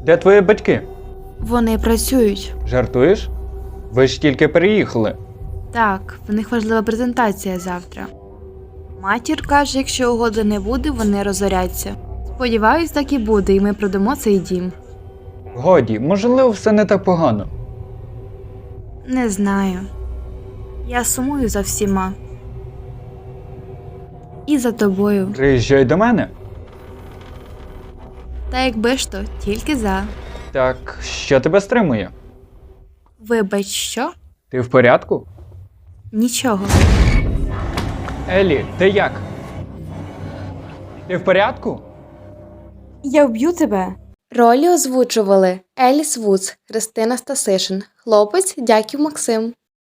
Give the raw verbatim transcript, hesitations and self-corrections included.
Де твої батьки? Вони працюють. Жартуєш? Ви ж тільки переїхали. Так, в них важлива презентація завтра. Матір каже, якщо угоди не буде, вони розоряться. Сподіваюсь, так і буде, і ми продамо цей дім. Годі, можливо, все не так погано. Не знаю. Я сумую за всіма. І за тобою. Приїжджай до мене. Та якби ж то, тільки за. Так, що тебе стримує? Вибач, що? Ти в порядку? Нічого. Елі, ти як? Ти в порядку? Я вб'ю тебе. Ролі озвучували Еліс Вудс, Христина Стасишин, хлопець Дяків Максим.